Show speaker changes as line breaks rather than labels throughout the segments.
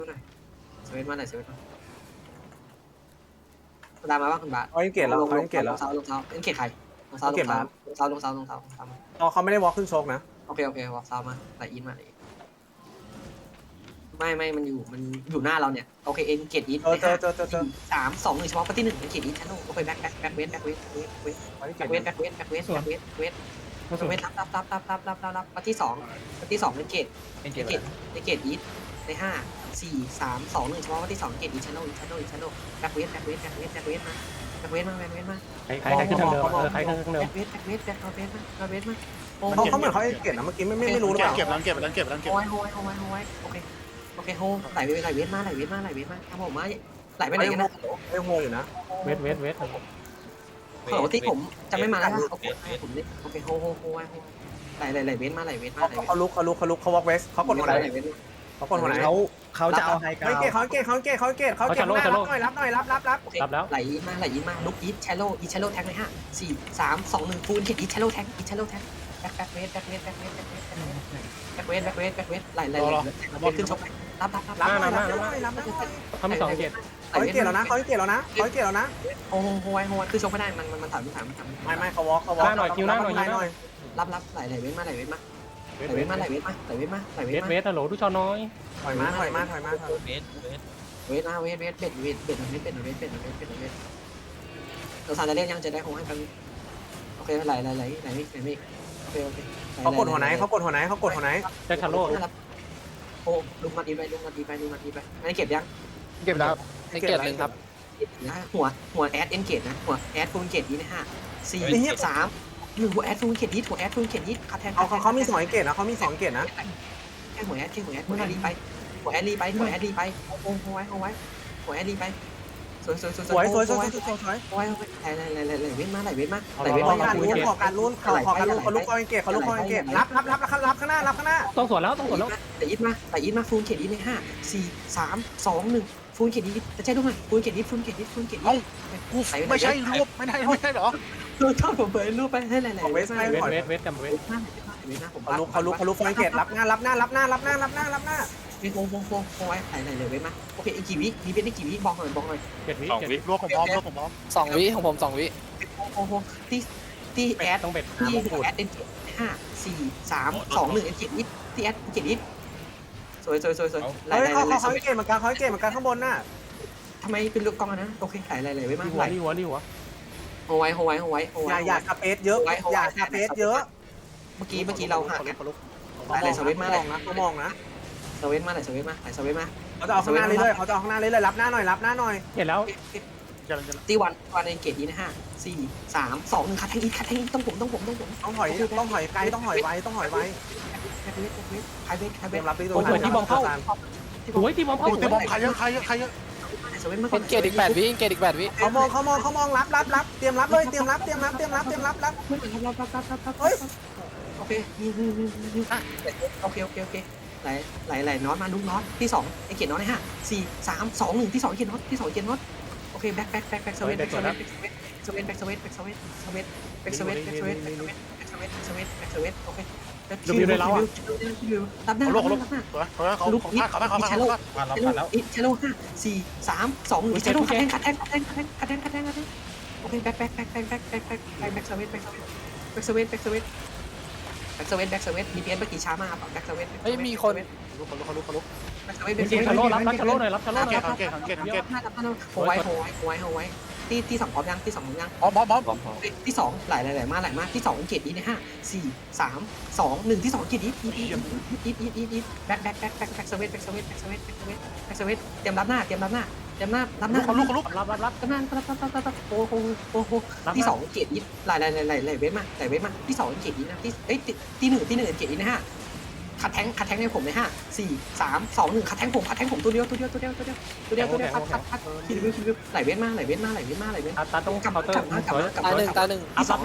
สวิตมาไหนสวิตมาตามมาว่าคุณบาส
เขายังเกตแล้วเขายังเกตแล้ว
ลงเท้าเอ็นเกตใครลงเท้ามา
เขาไม่ได้วอล์กขึ้นโชกนะ
โอเควอล์กเท้ามาไหลอินมาเลยไม่มันอยู่หน้าเราเนี่ยโอเคเอ็นเกตอิน
เจอ
3 2 1เฉพาะปฏิหนึ่งเอ็นเกตอินชั้นโอเคแบ็คเวทรับปฏิสองเอ็นเกตอีทใน5 4 3 2 1เฉพาะปฏิสองเกตอีชั้นโแบ็คเวทมา
ใครขึ้นทางเดิมใครขึ้นทางเดิม
แบ็คเวทมา
เขาเหมือนเขาเกตนะเมื่อกี้ไม่รู้หรือเปล่า
เก็บโ
อเคโฮไหลเวทมาครับผมมาไหลไปไหนกันนะ
ไม่โฮอยู่นะ
เวท
ขอที่ผมจะไม่มาแล้วโอเคผมนี่โอเคโฮไหลเวทมา
เขาลุกเขาวอล์กเวสเขากดหัวไหนเขากดหัวไหน
เขาจะเอาไฮกราว
เขาเกตรับหน่อยรับ
แล้ว
ไหลมาลุกอีทแชโลแท็กเลย5 4 3 2 1ฟูลเกตอีทแชโลแท็กแบ็คเวทไหลขึ้นชกรับ
เขามี2เกต
เขาเกตแล้วนะ
โฮคือชกไม่ได้มันถาม
ไม่เขาวอล์ก
รับไหลเวทมา
เวทฮัลโหลดูชอน้อย
ถอยมา
เวทเราสารจะเล่นยังจะได้คงให้กันโอเคไหลโอเค
เขากดหัวไหน
แจ็คชาโร่
โอ้ลุงมาดีไปอันนี้เก็บยัง
เก็บแล้ว
เกตหนึ่งครับ
หัวแอดเอ็นเกตนะหัวแอดฟูลเกตนี้นะ5 4 3 1หัวแอดฟูลเกตนี้คัดแทง
เขามี2เกตนะ
แค่หัวแอดรีไปหัวแอดรีไปโอ้หัวแอดรีไปสวยไหลเว้นมา
ขอการลุ้นเขาลุกคอยเกตรับข้างหน้า
ต้องสวนแล้ว
ไหลอินมาฟูลเกตนี้ใน5 4 3 2 1ฟูลเกตนี้จะใช่ด้วยไหมฟูลเกตนี้
ไม่ใช่รูปไม่ได้หรอ
ชอบผมเปิดรูปไปให้ไหล
เวทกับเวท
เขาลุกคอยเกตรับหน้า
โอ้ยไหลเลยเว้นมาโอเคอีกกี่วิมีเป็นได้กี่วิบอกหน่อย
7 วิ
2 วิรวบผมพร้อม
2 วิของผม2 วิ
โอ้โหที่แอด
ต้องเบ็ด
ที่แอดเอ็นเกต5 4 3 2 1เอ็นเกตนิดที่แอดเอ็นเกตนิดสวยไหล
เขาเกตเหมือนกันข้างบนน่ะ
ทำไมเป็นลูกกองนะโอเคไหลเว้นมา
รีหัว
โอ้ย
อย่าสเปซเยอะเ
มื่อกี้เราห่างกัน
ไหลสวิตมาเลยนะเขามองนะ
สวิตมาเขา
จะเอาข้างหน้าเรื่อยรับหน้าหน่อย
เห็นแล้ว
ตีวันเอ็นเกตนี้นะ5 4 3 2 1คัดแทงอีกต้องผม
ต้องถอยไกลต้องถอยไว
ใครเวท
รับตีตัว
ที่บอมเข้าโอ้ยที่บอมเข้า
ตีบอมใครเยอะ
สวิตมา
เกตอีก8 วิ
เขามองรับเตรียมรับเลยเตรียมรับเฮ้ย
โอเคไหลน็อตมาลุกน็อตที่2ไอเกตน็อตใน5 4 3 2 1ที่2เกตน็อตโอเคแบ็คสวิตโอเครับหน้า
เขา
ลุกอีชาโล5 4 3 2 1ชาโลคัดแทงโอเคแบ็คสวิตมีเพี้ยนเมื่อกี้ช้ามากแบ็คสวิต
เฮ้ยมีคน
แบ็คสวิต
ชาโร่รับชาโร่หน่อยรับชาโร่หน่อย
โหไว้ที่2พร้อมยังที่2พร้อมยัง
บอม
ที่2ไหลมากที่2เกตนี้นะ5 4 3 2 1ที่2เกตนี้แบ็คสวิตเตรียมรับหน้า
เขาลุก
รับ
โอ้โหที่2เกตนี้ไหลเว้นมาที่2เกตนี้นะที่1เกตนี้นะคัดแทงให้ผมเลย5 4 3 2 1คัดแทงผมตัวเดียวคัดคิดวิวไหลเว้นมา
ตาต้องเคาน์เตอร์สวย
ตาหนึ่ง
ที่2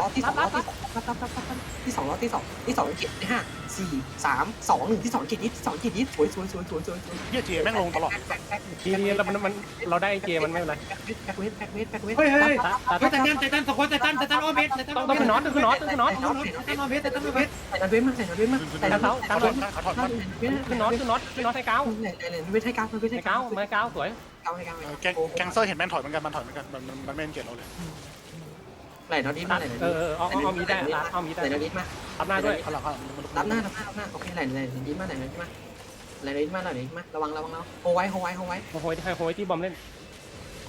เก็บได้5 4 3 2 1ที่2เก็บนิดสวย
เฮียเจแม่งลงตลอด
ทีนี้เราได้เกมมันไม่เป็นไร
แบ็คเวท
เฮ้ยแต่ตันสควอตแต่ตันโอเบส
ต้องขึ้นน็อต
แต่ตันโอเบส
ใส่เวทมา
แต่เท้าตั้งหน่อย
ขาถอน
ขึ้นน็อตให้ก้าว
ไหนไม่ใช่ก้าวไม่ใช่
ให้ก้าวมาก้าวสวย
ก้าวให้ก้าว
แกงเซอร์เห็นแม่นถอยเหมือนกันมันถอยเหมือนกันมันไม่เกลียดเราเลย
ไหลน็อตดิมาไหลน็อต
เอามีได้เอามีได้
ไหลน็อตดิมา
รับหน้าด้วย
ข้างหลัง
รับหน้าโอเคไหลดิมาไหลน็อตดิมาไหลน็อตดิมาระวังโฮไว้โ
โหยที่บอมเล่น
โฮ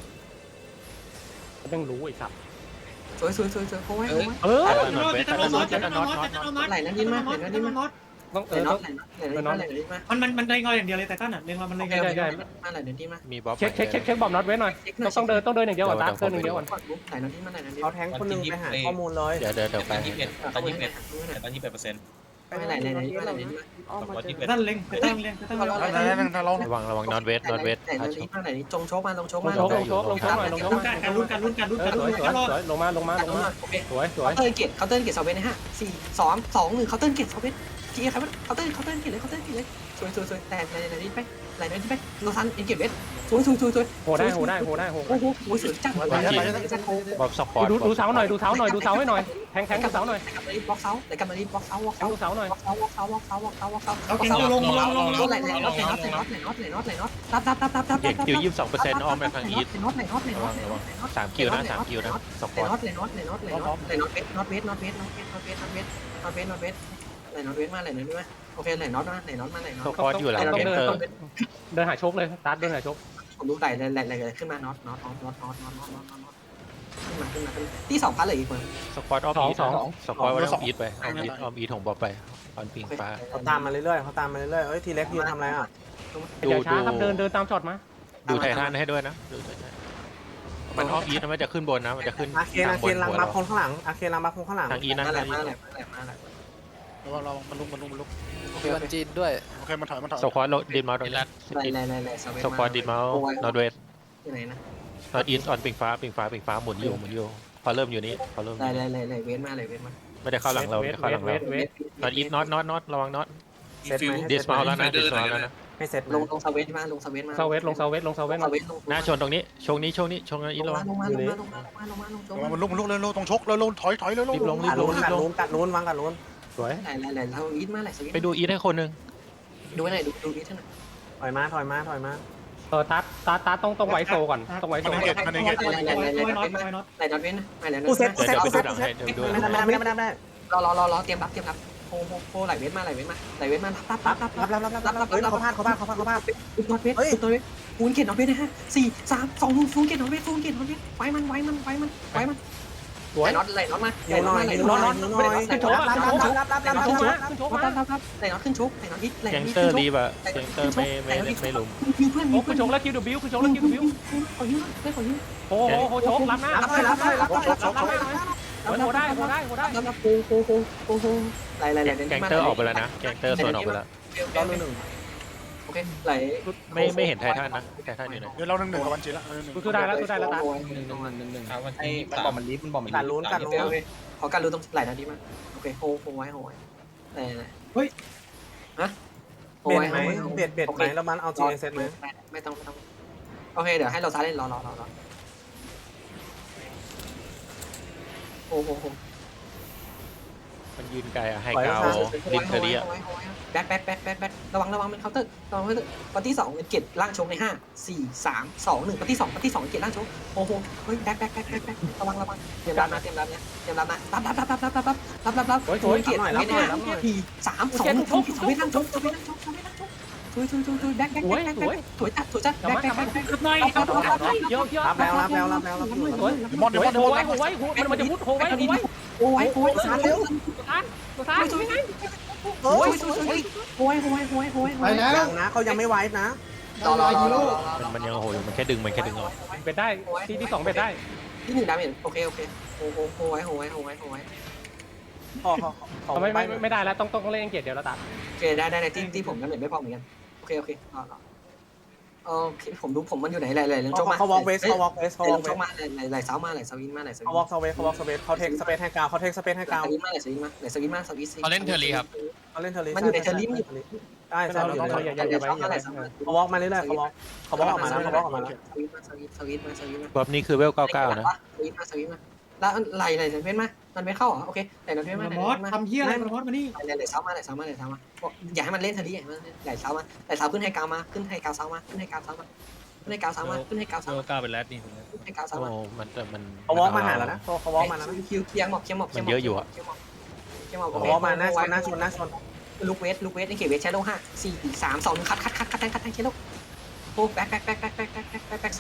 ต้องรู้ไอ้สับ
สวยโฮไว้
เตตันโนตเตตันโนต
ไหลน็อตดิมาไหลน็อตดิมา
ต้อง
ไหลน็อตไหลน็อตดิมา
มันเล็งเราอย่างเดียวเลยไตตันอ่ะเล็งเรามันเล็ง
ไหลน็อตดิมา
มีบ๊อบ
เช็คบอมน็อตเว้นหน่อยต้องเดินอย่างเดียวก่อนเดินอย่างเดียวก่อน
ไหลน็อตดิมาไหลน็อตดิ
เอาแทงคนนึงไปหาข้อมูลเลย
เดี๋ยวไป
ตอน21%
ไม่ไหลดิมา
ไตตันเล็งไตตันเล็ง
เรา
ระวังนอนเวท
ไหลดิมาไหลจงโชกมาลงโชกมา
ลงโชกหน่อยลงโชก
ลุ้นกัน
สวยลงมาสวย
เคาน์เตอร์เกตเซเว่นนะฮะ4-3-2-1เคาน์เตอร์เกตเซเว่นจีครับเคาน์เตอร์เกตเลยสวยแต่ไหลนี้ไปโลซันเอ็นเกตเวสสวย
โหได้
โอ้โหสวยจัง
บ๊อบสปอร์ต
ดูเสาหน่อยดูเสาให้หน่อยแทงกับเสาหน่อย
บล็อกเสาไหลกลับมาดิบล็อกเสา
ดูเสาหน่อย
เอาเก่งลง
ไหลน็อตรับ
เด็กคิว22%อ้อมไปทางอีท
น็อต
3 คิวนะ3 คิวนะสปอร์ต
น็อตเวสมาโอเคไหลน็อตมา
สปอร์ตอยู่หลัง
ต้อง
เกนเตอร์
เดินหาโชคเลยตัดเดินหาโชค
ผมดูไหลขึ้นมาน็อตขึ้นมาที่2พันเลยอีกคน
สปอร์ตอ้อมอีทสปอร์ตอ้อมอีทไปอ้อมอีทของบ๊อบไปออนปิงฟ้า
เขาตามมาเรื่อยเอ้ยทีเล็กยืนทำอะไรอ่ะ
อย่าช้าครับเดินตามจอดมา
ดูไททันให้ด้วยนะดูไททันมันอ้อมอีทมันจะขึ้นบนนะมันจะขึ้น
อาเคนลังบัฟคนข้างหลังอาเคนลังบัฟคนข้างหลัง
ทางอีทนะ
มา
ทางอีท
เรามันลุก
มีวันจีนด้วย
โอเคมันถอยส
สควอตดินมาตรงนี้สควอตดินมานอร์เวส
ที่ไหนนะ
นอร์อีสออนปิงฟ้าหมุนอยู่พอเริ่มอยู่นี้พอเริ่ม
ไหลเว้นมา
ไม่ได้เข้าหลังเราไม่ได้เข้าหลังเรานอร์อีสน็อตระวังน็อต
เซตไหม
ดิสมาแล้วนะดิสมาแล้วนะ
ไม่เซต
ลงสเวทมา
เซเวส
หน้าชนตรงนี้ชงนี้ชงอีทระวัง
ลงมา
มันลุกเลยตรงชกเลยถอยเลย
รีบลง
กัดลุ้นวางกัดลุ้น
สวย
ไหลเราอีทมาไหลสวิต
ไปดูอีทให้คนนึง
ดูไหนดูอีทหน่อย
ถอยมา
ตัดต้องไวโซก่อนต้องไวโซ
มันเกต
ไหลน็อตเว้นไหลน็อตเว้น
กูเซต
เดี๋ยวไปดูหลังให้เดี๋ยวดู
ไม่ได้
รอเตรียมรับโฮไหลเว้นมารับ
เฮ้ยเขาพลาด
น็อตเวทฟูนเกตน็อตเวทนะฮะ4-3-2-1ฟูนเกตน็อตเวทไว้มันไหลน็อตมา
อยู่หน่อย
ไหลน็อตขึ้นชกไหลน็อตฮิต
แกงเตอร์รีบอะแกงเตอร์ไม่ลุม
เพื่อน
โอ้คือโชคแล้วคิวดูบิวโหโชครับหน้าโหได้
รับโฮไหล
แกงเตอร์ออกไปแล้วนะแกงเตอร์ส่วนออกไปแล้ว
โอเคไหล
ไม่เห็นไททันนะไททันอยู่ไหน
เดี๋ยวเรา1-1กับวันจีละ
สู้ได้แล้วตัด
มันบอกมันลิฟต์มันบอกมัน
กัดลุ้น
ขอการรู้ตรงไหลนะดีมากโอเคโฮไว้ไหลโฮ
เบ็ด
ไว้
ไหมเบ็ดไหมแล้วมันเอาจีเซตไหม
ไม่ต้องโอเคเดี๋ยวให้เราซ้ายเล่นรอโฮ
มันยืนไกลอะไฮกาวดินเทอรี่อะ
แบ็คระวังมันเคาน์เตอร์ปาร์ตี้2เป็นเกตล่างชงใน5-4-3-2-1ปาร์ตี้2เกตล่างชงโอ้โหเฮ้ยแบ็คระวังเตรียมรับนะรับโอ้ยเกตไม่ได้4-3-2-1ชงล่างชงช่วยแบ็คถอยจัดแบ็ค
หน่อย
เยอะ
รับแล้ว
มอน
โหไว้มันจะมุดโหไว้
โอ้ยสารเร็ว
ตัวท้ายยังไง
โอ้ยไปแล้ว
ยังนะเขายังไม่ไว้นะ
รอ
มันยังโหมันแค่ดึงออก
เป็นได้ที่2เป็นได้
ที่1ดาเมจโอเคโหไว้
ไม่ได้แล้วต้องเล่นเกตเดียวแล้วตัด
โอเคได้ที่ผมดาเมจไม่พอเหมือนกันโอเคโอเคผมมันอยู่ไหนไหลเรื่องโจมา
เขาวอล์กเวส
โจมาไหลเสามาไหลสวินมาไหลสวิน
เขาวอล์กสเวสเขาเทคสเปซให้กาวเขาเทคสเปซให้กาว
สวินมาไหลสวินมาสวิน
เขาเล่นเทอร์รีครับ
เขาเล่นเทอร์รี่
มันอยู่ในเทอร์รี่
ได้
เราอย่าไป
เขาวอล์กมาเรื่อยๆเขาวอล์กออกมาแล้ว
สวินมา
บ๊อบนี่คือเวล99นะ
สวินมาแล้วไหลเว้นมามันไม่เข้าเหรอโอเคไหลนอนเว้น
ป
มาร ไหล
มอส
มา
ทำเหี้ยอะไรปรมอสมานี่
ไหลเสามาบอกอย่าให้มันเล่นทะเลไหลเสามาไหลเสาขึ้นให้กาวมาขึ้นให้กาวเสามาขึ้นให้กาวเสามาขึ้นให้กาวเสามาขึ้นให้กาวเสา
โล
มา
ก้าเป็นแรดนี่
ขึ้นให้กาวเสา
โอ้
มา
มัน
เขาวอล์กมาหาแล้วนะเขาวอล์กมาแล้วนะ
คิวเคียงหมอบเคียงหมอบ
มันเยอะอยู่อะ
เคียงหมอบ
เขาวอล์กมาหน้าชน
ลูกเวสไอเกตเวสใช้โล5 4 3 2 1คัดเคโลโอ้แบ็คเซา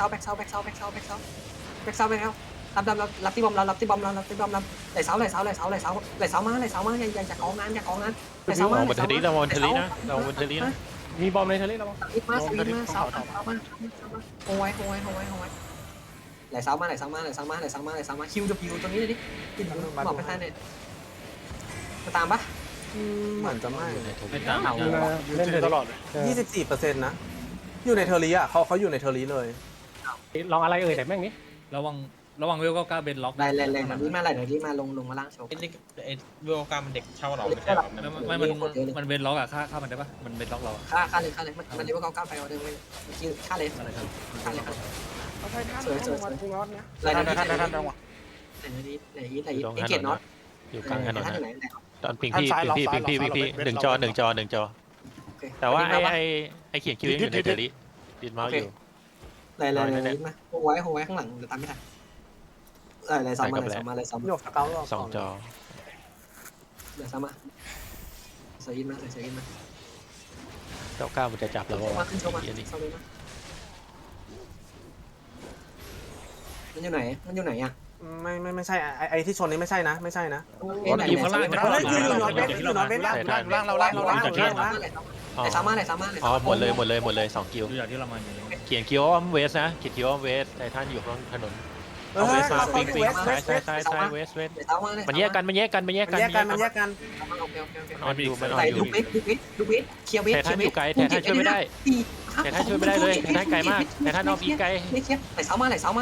รับที่บอมเราไหลเสามาอย่ากองนั้นไหลเสา
ล
มา
องบนเทอรี่ระวังเทอรี่นะระวังบนเทอรี่นะ
มีบอมในทะเลระวัง
มาเสามาโอ้ยไหลเสามาคิวตัวนี้เลยดิบอกไปท่านเนี่ยจะตามปะ
เหมือนจะไม่
ไม่ตาม
เล่นตลอดเลย
24%นะอยู่ในเทอร์รี่อ่ะเขาอยู่ในเทอร์รี่เลย
ลองอะไรแต่แม่งนี้ระวังเวลก็กล้าเบนล็อก
ไหลนี้มาลงมาล่างโชว์
ไอ้เวลกามันเด็กเช่าเราไม่ใช่หรอ
ไม่มันเบนล็อกอะฆ่ามันได้ปะมันเบนล็อกเราอะ
ค่าเลยมันเรียกว่า9ไปออเดอร์เลยค่าเลย
อะไรครับ
เอาไปท่านมาทุกรอบเนี้ย
ไหลนี้เกตน็อต
อยู่กลางถนน
ท่านอยู่
นะ
ไหน
ตอนพิงพี่หนึ่งจอแต่ว่าไอเขียนคิวอยู่ในเทอรี่ดินเมาส์อยู่
ไหลมาโฮไว้ข้างหลังเดี๋ยวตามไม่ทันไหลซ้ำมา
โยกสเกล
สองจอ
ไหลซ้ำมาใส่ยินมา
99มันจะจับเราว่า
มาขึ้นโชว์มา
อันนี้
เซาเลยมามันอยู่ไหนอ่ะ
ไม่ใช่ไอที่ชนนี้ไม่ใช่นะ
ไหลซ้ำมา
อ๋อหมดเลย2คิว
ดูอย่างที่เรามาอยู่
เขียนคิวว่าเวสนะเขียนคิวว่าเวสไททันอยู่ข้างถนนเอาเวสมาปิงซ้ายเวส
ไหลซ้ำมา
มันแยกกัน
มันแยกกัน
โอเค
นอนอยู่
ลูกเวทเคลียร์เวท
ไททันอยู่ไกลไททันช่วยไม่ได้ไททันช่วยไม่ได้เลยไททันไกลมากไททันนอกอีไกล
ไหลเสามาไททัน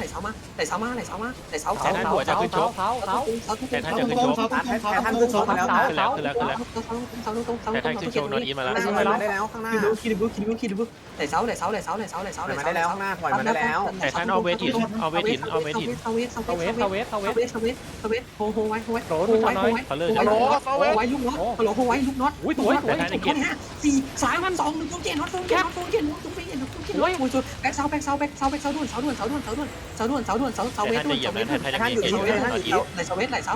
หัวจะขึ้นโชก
ไททันจะขึ้นโชก
ท่านขึ้นโชว์มาแล้ว
ขึ้นแล้วไททันขึ้นโชกนอนอีมาแล้ว
ได้แล้วข้างหน้า
คิดดูไหลเสา
มาได้แล้วข้างหน้าถอยมาได้แล้ว
ไททันเอาเวทหิน
โฮไว้
เขาเลื่อน
ไว้ลูกน็อตโฮไว้ลูกน็อต
อุ้ยสวย
4 3 2 1ตุ้งเจ็ดน็อตตุ้งเจ็ดแบ็คเสาด่วนเสาเวท
ไททันจะเหยียบนะไททันจะเหยียบนอนอี
ไหลเสาเวทไหลเสา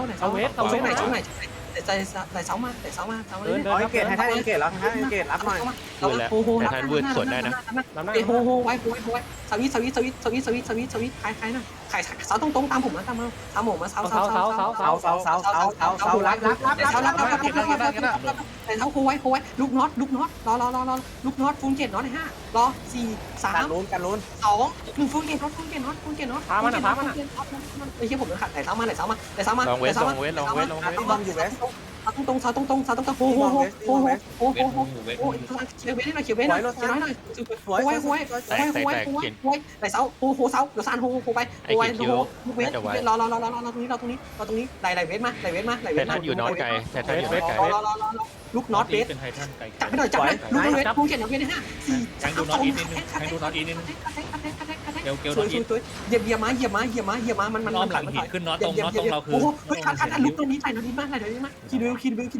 มา
เดิน
เกตให้ท่านเกตแล้วท่านเกตรับหน่อย
โฮไว้สวิตใครนะใครเสาตรงตามผมมาเสารับแต่เสาโฮไว้ลูกน็อตรอลูกน็อตฟูนเกตน็อต5รอ4 3
กันลุ้น
2 1ฟูนเกตน็อตไอ้เหี้ยผมจะขัดไหลเสามา
ลองเวท
ตรงโฮเขียวเว้นหน่อยไหลเสาโฮเดี๋ยวซานโฮไปลูกเวทรอตรงนี้ไหลเวทมา
ไททันอยู่นอนไกลไททันอยู่นอนไกล
ลูกน็อตเวท
เป็นไททันไก่
จับให้หน่อยลูกเวทฟูนเกตน็อตเวท5 4
แทงดูน็อตอีกนิดนึงแทงดูน็อตอีกนิดนึงเกล
ส
น็
ว
อย ตอีก
เหยียบมามัน
ล้อมหลังหินขึ้นน็อตตรงน็อตตรงเราคือ
โอ้โหคันลุกตัวนี้ใส่น็อตดีมากคิดบิวน็อต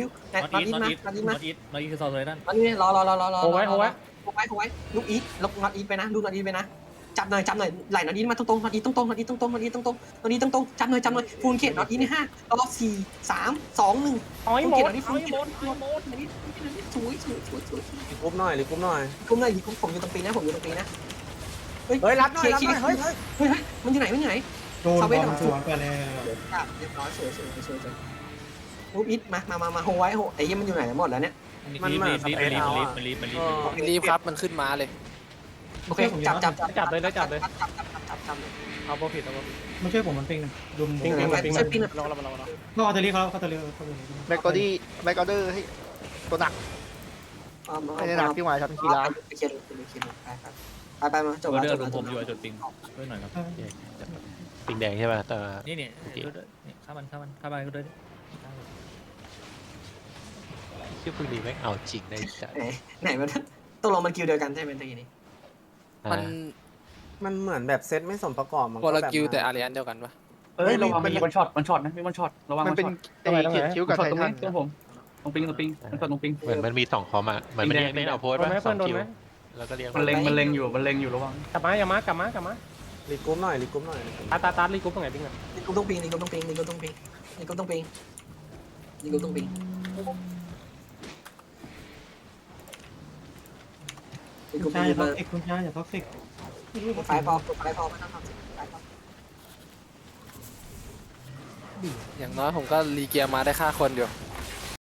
อี
คือซอสเลยนั่น
น็อตนี้รอโฮไว้ลูกอีทน็อตอีทไปนะดูน็อตอีทไปนะจับหน่อยไหลน็อตอีทมาตรงน็อตอีทตรงจับหน่อยฟูนเกตน็อตอีทใน5รอ4 3 2 1
อ้อยหมด
สวย
รีกุ๊บหน่อย
ผมอยู่ตรงปีนะ
เฮ้ยรับหน่อยเฮ้ย
มันอยู่ไหน
โดนบอลสวนไปแล้ว
เรียบร้อยสวยลูกอีทมาโฮไว้ไอ้ยี่มันอยู่ไหนหมดแล้วเนี่ย
รีบครับมันขึ้นมาเลย
โอเคจับเลย
เอาโบผิด
ไม่ช่วยผมมันปิงนะดุม
ปิง
เขาเอาตะลีเขาตะลี
แบ็กกอดี้แบ็กกอเดอร์ให้ตัวหนักไม่ได้หนักที่หมายทำกีฬา
ไปมาจบ
เรือผมอยู่จุดปิงด้วยหน่อยครับ
ปิงแดงใช่ป่ะแต่
นี่ข้ามันก็ด้วย
ชื่อพึ่งดีแม่งเอาจริงได้จัด
ไหนมันตกลงมันคิวเดียวกันใช่ไหมตะกี้นี้
มันเหมือนแบบเซตไม่สมประกอบมัน
คนละกิวแต่อารีอันเดียวกันปะ
เอ้ยระวังมีวันช็อตนะมีวันช็อตระวัง
มันเป็นไอ้เขียนคิ้วกับไททัน
ตัวผมตรงปิงมันช็อตตรงปิง
เหมือนมันมี2คอมอ่ะเหมือนมันเน้นเอาโพสต์ป่ะ2คิวแล้วก็เรียง
มันเล็งอยู่ระวังกลับมากลับมา
รีกรุ๊ปหน่อยรีกรุ๊ปหน่อย
ตารีกรุ๊ปตรงไหนปิงอ่ะ
นี่ก็ต้องปิงนี่ก็ต้องปิงนี่ก็ต้องปิงนี่ก็ต้องปิงนี่ก็ต้องปิง
คุณชายอย่าท็อกซิกคุณชายอย่าท็อกซิก
ไฟพอไม่ต้องทำสิไฟพอ
อย่างน้อยผมก็รีเกียร์มาได้ฆ่าคนอยู่